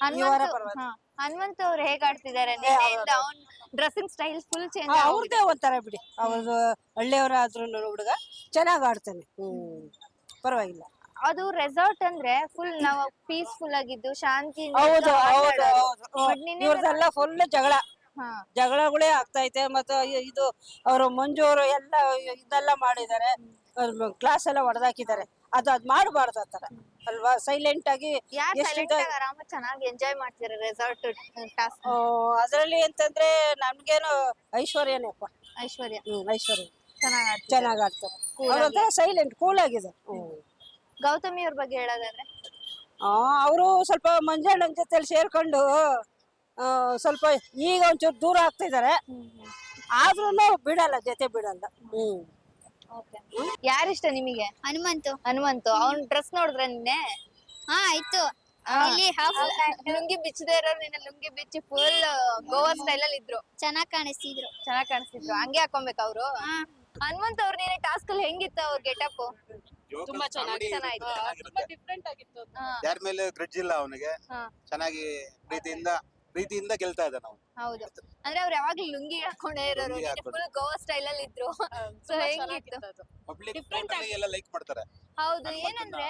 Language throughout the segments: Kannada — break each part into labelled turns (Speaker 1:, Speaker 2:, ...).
Speaker 1: ಈ ವಾರ
Speaker 2: ಹನುಮಂತ್
Speaker 1: ಪರವಾಗಿಲ್ಲ.
Speaker 2: ಹನುಮಂತ್ ಅವ್ರು ಹೇಗ್ ಆಡ್ತಿದ್ದಾರೆ ನಿನ್ನೆಯಿಂದ ಅವ್ನ್ ಡ್ರೆಸ್ಸಿಂಗ್ ಸ್ಟೈಲ್ ಫುಲ್ ಚೇಂಜ್
Speaker 1: ಅವ್ರದೇ ಒಂಥರ ಬಿಡಿ, ಅವ್ರದ್ದು ಹಳ್ಳಿಯವರ ಆದ್ರೂ ಹುಡುಗ ಚೆನ್ನಾಗ್ ಆಡ್ತಾನೆ. ಪರವಾಗಿಲ್ಲ.
Speaker 2: ಅದು ರೆಸಾರ್ಟ್ ಅಂದ್ರೆ ಫುಲ್ ನಾವು ಪೀಸ್ಫುಲ್ ಆಗಿದ್ದು ಶಾಂತಿ
Speaker 1: ಹೌದು ಹೌದು ಹೌದು. ಇವ್ರದೆಲ್ಲ ಫುಲ್ ಜಗಳ ಜಗಳಗಳೇ ಆಗ್ತೈತೆ. ಮತ್ತೆ ಇದು ಅವರು ಮಂಜು ಅವರು ಎಲ್ಲ ಇದೆಲ್ಲ ಮಾಡಿದ್ದಾರೆ, ಕ್ಲಾಸ್ ಎಲ್ಲ ಹೊಡೆದಾಕಿದ್ದಾರೆ. ಅದ್ ಮಾಡಬಾರ್ದು ಆತರ ಅಲ್ವಾ? ಸೈಲೆಂಟ್ ಆಗಿ
Speaker 2: ಯಾರ್
Speaker 1: ಎಷ್ಟು
Speaker 2: ಸೈಲೆಂಟ್ ಆಗಿ ಆರಾಮ ಚೆನ್ನಾಗಿ ಎಂಜಾಯ್ ಮಾಡ್ತಿದ್ದಾರೆ ರೆಸಾರ್ಟ್ ಟಾಸ್ಕ್.
Speaker 1: ಅದ್ರಲ್ಲಿ ಅಂತಂದ್ರೆ ನಮ್ಗೇನು ಐಶ್ವರ್ಯನೇಪ್ಪ.
Speaker 2: ಐಶ್ವರ್ಯ
Speaker 1: ಐಶ್ವರ್ಯ
Speaker 2: ಚೆನ್ನಾಗ್ ಆಡ್ತಿದ್ದಾರೆ.
Speaker 1: ಚೆನ್ನಾಗ್ ಆಡ್ತಾರೆ. ಅವ್ರೊಂಥರ ಸೈಲೆಂಟ್ ಕೂಲ್ ಆಗಿದೆ.
Speaker 2: ಗೌತಮಿ ಅವ್ರ ಬಗ್ಗೆ ಹೇಳೋದಾದ್ರೆ
Speaker 1: ಅವರು ಸ್ವಲ್ಪ ಮಂಜಣ್ಣನ ಜೊತೆಲಿ ಸೇರ್ಕೊಂಡು ಸ್ವಲ್ಪ ಈಗ ಒಂಚೂರು ದೂರ ಆಗ್ತಿದ್ದಾರೆ. ಆದ್ರೂ ಬಿಡಲ್ಲ, ಜೊತೆ ಬಿಡಲ್ಲ.
Speaker 2: ಯಾರಿಷ್ಟ ನಿಮಗೆ? ಹನುಮಂತು ಅವ್ನ್ ಡ್ರೆಸ್ ನೋಡಿದ್ರೆ ನಿನ್ನೆ?
Speaker 3: ಹಾ ಆಯ್ತು. ಇಲ್ಲಿ
Speaker 2: ಲುಂಗಿ ಬಿಚ್ಚದೇ ಇರೋರು ನಿನ್ನೆ ಲುಂಗಿ ಬಿಚ್ಚಿ ಫುಲ್ ಗೋವಾ ಸ್ಟೈಲ್ ಅಲ್ಲಿ ಇದ್ರು.
Speaker 3: ಚೆನ್ನಾಗ್ ಕಾಣಿಸ್ತಿದ್ರು.
Speaker 2: ಚೆನ್ನಾಗ್ ಕಾಣಿಸ್ತಿದ್ರು. ಹಂಗೆ ಹಾಕೊಬೇಕು ಅವ್ರು. ಹನುಮಂತ್ ಅವ್ರ ನೀನೆ ಟಾಸ್ಕ್ ಅಲ್ಲಿ ಹೆಂಗಿತ್ತು ಅವ್ರ ಗೆಟಪ್?
Speaker 4: ತುಂಬಾ
Speaker 2: ಚೆನ್ನಾಗಿತ್ತು.
Speaker 4: ತುಂಬಾ ಡಿಫ್ರೆಂಟ್ ಆಗಿತ್ತು. ಯಾರ ಮೇಲೆ ಗ್ರಿಡ್ಜ್ ಇಲ್ಲ ಅವನಿಗೆ. ಚೆನ್ನಾಗಿ ಪ್ರೀತಿಯಿಂದ ಗೆಲ್ತಾ ಇದ್ದಾನೆ ಅವನು.
Speaker 2: ಹೌದು, ಅಂದ್ರೆ ಅವ್ರು ಯಾವಾಗ್ಲೂ ಲುಂಗಿ ಹಾಕೊಂಡೇ ಇರೋರು, ಫುಲ್ ಗೋವಾ ಸ್ಟೈಲ್ ಅಲ್ಲಿ ಇದ್ರು. ಸೊ ಹೆಂಗಿತ್ತು?
Speaker 4: ಪಬ್ಲಿಕ್ ಎಲ್ಲ ಲೈಕ್ ಮಾಡ್ತಾರೆ.
Speaker 2: ಹೌದು, ಏನಂದ್ರೆ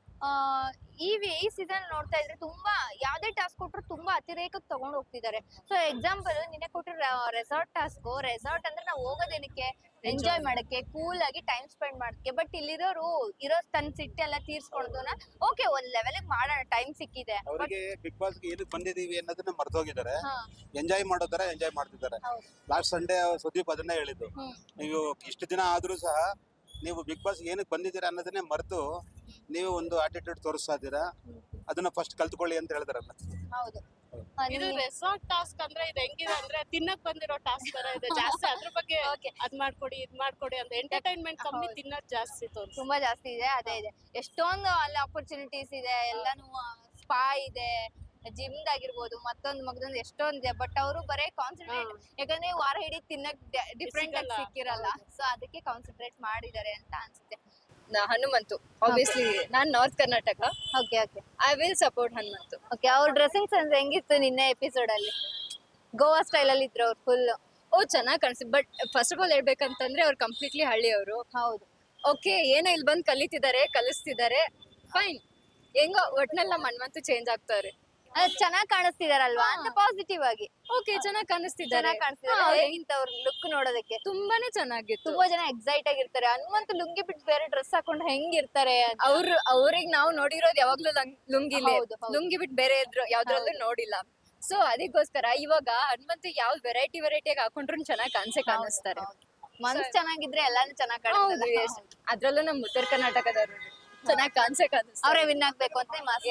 Speaker 2: ಈ ಸೀಸನ್ ನೋಡ್ತಾ ಇದ್ರೆ ತುಂಬಾ ಯಾವ್ದೇ ಟಾಸ್ಕ್ ಕೊಟ್ರು ತುಂಬಾ ಅತಿರೇಕಕ್ಕೆ ತಗೊಂಡ್ ಹೋಗ್ತಿದ್ದಾರೆ. ಸೊ ಎಕ್ಸಾಂಪಲ್ ನಿನ್ನೆ ಕೊಟ್ಟಿರೋ ರೆಸಾರ್ಟ್ ಟಾಸ್ಕ್, ರೆಸಾರ್ಟ್ ಅಂದ್ರೆ ನಾವು ಹೋಗೋದೇನಕ್ಕೆ ಎಂಜಾಯ್ ಮಾಡಕ್ಕೆ, ಕೂಲ್ ಆಗಿ ಟೈಮ್ ಸ್ಪೆಂಡ್ ಮಾಡಕ್ಕೆ. ಬಟ್ ಇಲ್ಲಿರೋರು ಇರೋ ತನ್ನ ಸಿಟ್ಟೆಲ್ಲ ತೀರ್ಸ್ಕೊಳೋದನ್ನ ಓಕೆ ಒಂದ್ ಲೆವೆಲ್ ಮಾಡೋಣ, ಟೈಮ್ ಸಿಕ್ಕಿದೆ.
Speaker 4: ಅವರಿಗೆ ಬಿಗ್ ಬಾಸ್ ಗೆ ಏನಕ್ಕೆ ಬಂದಿದೀವಿ ಅನ್ನೋದನ್ನ ಮರ್ತೋಗಿದ್ದಾರೆ. ಎಂಜಾಯ್ ಮಾಡೋ ತರ ಎಂಜಾಯ್ ಮಾಡ್ತಿದ್ದಾರೆ. ಲಾಸ್ಟ್ ಸಂಡೇ ಸುದೀಪ್ ಅದನ್ನೇ ಹೇಳಿದ್ದು, ನೀವು ಇಷ್ಟು ದಿನ ಆದ್ರೂ ಸಹ ನೀವು ಬಿಗ್ ಬಾಸ್ ಏನಕ್ಕೆ ಬಂದಿದ್ದೀರಾ ಅನ್ನೋದನ್ನೇ ಮರೆತು ನೀವು ಒಂದು ಆಟಿಟ್ಯೂಡ್ ತೋರಿಸ್ತಾ ಇದ್ದೀರಾ, ಅದನ್ನ ಫಸ್ಟ್ ಕಲ್ತ್ಕೊಳ್ಳಿ ಅಂತ ಹೇಳಿದಾರಲ್ಲ.
Speaker 2: ಹೌದು,
Speaker 5: ಇದು ರೆಸಾರ್ಟ್ ಟಾಸ್ಕ್ ಅಂದ್ರೆ ಇದು ಹೆಂಗಿದೆ ಅಂದ್ರೆ ತಿನ್ನಕ್ ಬಂದಿರೋ ಟಾಸ್ಕ್ ತರ ಇದೆ ಜಾಸ್ತಿ. ಅದ್ರ ಬಗ್ಗೆ ಅದ್ ಮಾಡ್ಕೊಡಿ ಇದ್ ಮಾಡ್ಕೊಡಿ ಅಂತ ಎಂಟರ್ಟೈನ್ಮೆಂಟ್ ಕಮ್ಮಿ, ತಿನ್ನೋದ್ ಜಾಸ್ತಿ
Speaker 2: ತುಂಬಾ ಜಾಸ್ತಿ ಇದೆ. ಅದೇ ಇದೆ, ಎಷ್ಟೊಂದು ಅಲ್ಲಿ ಆಪರ್ಚುನಿಟೀಸ್ ಇದೆ, ಎಲ್ಲಾನು ಸ್ಪಾ ಇದೆ, ಜಿಮ್ ಆಗಿರ್ಬೋದು, ಮತ್ತೊಂದು ಎಷ್ಟೊಂದಿದೆ. ಬಟ್ ಅವರು ಬರೇ ಕಾನ್ಸಂಟ್ರೇಟ್, ಯಾಕಂದ್ರೆ ವಾರ ಇಡೀ ತಿನ್ನಕ್ ಡಿಫ್ರೆಂಟ್ ಆಗಿ ಸಿಕ್ಕಿರಲ್ಲ. ಸೊ ಅದಕ್ಕೆ ಕಾನ್ಸಂಟ್ರೇಟ್ ಮಾಡಿದ್ದಾರೆ ಅಂತ ಅನ್ಸುತ್ತೆ.
Speaker 6: ಹನುಮಂತು ಆಬ್ವಿಯಸ್ಲಿ ನಾನ್ north Karnataka.
Speaker 2: Okay
Speaker 6: I will support Hanumanthu.
Speaker 2: Okay, ಅವ್ರ ಡ್ರೆಸ್ಸಿಂಗ್ ಸೆನ್ಸ್ ಹೆಂಗಿತ್ತು ನಿನ್ನೆ ಎಪಿಸೋಡ್ ಅಲ್ಲಿ? ಗೋವಾ ಸ್ಟೈಲ್ ಅಲ್ಲಿ ಇದ್ರು ಅವ್ರು ಫುಲ್.
Speaker 6: ಚೆನ್ನಾಗಿ ಕಾಣಿಸ್ತು. ಬಟ್ ಫಸ್ಟ್ ಆಫ್ ಆಲ್ ಹೇಳ್ಬೇಕಂತಂದ್ರೆ ಅವ್ರು ಕಂಪ್ಲೀಟ್ಲಿ ಹಳ್ಳಿಯವರು.
Speaker 2: ಹೌದು,
Speaker 6: ಓಕೆ, ಏನೋ ಇಲ್ಲಿ ಬಂದು ಕಲಿಸ್ತಿದ್ದಾರೆ, ಫೈನ್. ಹೆಂಗೋ ಒಟ್ನಲ್ಲಿ ನಮ್ಮ ಹನುಮಂತು ಚೇಂಜ್ ಆಗ್ತಾರೆ.
Speaker 2: ಚೆನ್ನಾಗ್ ಕಾಣಿಸ್ತಿದಾರಲ್ವಾ ಅಂತ ಪಾಸಿಟಿವ್ ಆಗಿ.
Speaker 6: ಓಕೆ, ಚೆನ್ನಾಗಿ ಕಾಣಿಸ್ತಿದ್ದಾರೆ.
Speaker 2: ಹೇಗಿತ್ತು ಅವ್ರ ಲುಕ್ ನೋಡೋದಕ್ಕೆ?
Speaker 6: ತುಂಬಾನೇ ಚೆನ್ನಾಗಿತ್ತು.
Speaker 2: ತುಂಬಾ ಜನ ಎಕ್ಸೈಟ್ ಆಗಿರ್ತಾರೆ, ಹನುಮಂತ ಲುಂಗಿ ಬಿಟ್ಟು ಬೇರೆ ಡ್ರೆಸ್ ಹಾಕೊಂಡು ಹೆಂಗಿರ್ತಾರೆ.
Speaker 6: ಅವ್ರಿಗೆ ನಾವು ನೋಡಿರೋದು ಯಾವಾಗ್ಲೂ ಲುಂಗಿ ಬಿಟ್ಟು ಬೇರೆ ಯಾವ್ದ್ರಲ್ಲೂ ನೋಡಿಲ್ಲ. ಸೊ ಅದಕ್ಕೋಸ್ಕರ ಇವಾಗ ಹನುಮಂತ ಯಾವ ವೆರೈಟಿಯಾಗಿ ಹಾಕೊಂಡ್ರು ಚೆನ್ನಾಗಿ ಕಾಣಿಸ್ತಾರೆ.
Speaker 2: ಮನ್ಸ್ ಚೆನ್ನಾಗಿದ್ರೆ ಎಲ್ಲಾನು ಚೆನ್ನಾಗಿ ಕಾಣಿಸ್ತಾರೆ.
Speaker 6: ಅದ್ರಲ್ಲೂ ನಮ್ ಉತ್ತರ ಕರ್ನಾಟಕದವ್ರು ಚೆನ್ನಾಗಿ ಕಾಣಿಸ್ತಾರೆ.
Speaker 2: ಅವರೇ ವಿನ್ ಆಗ್ಬೇಕು ಅಂತ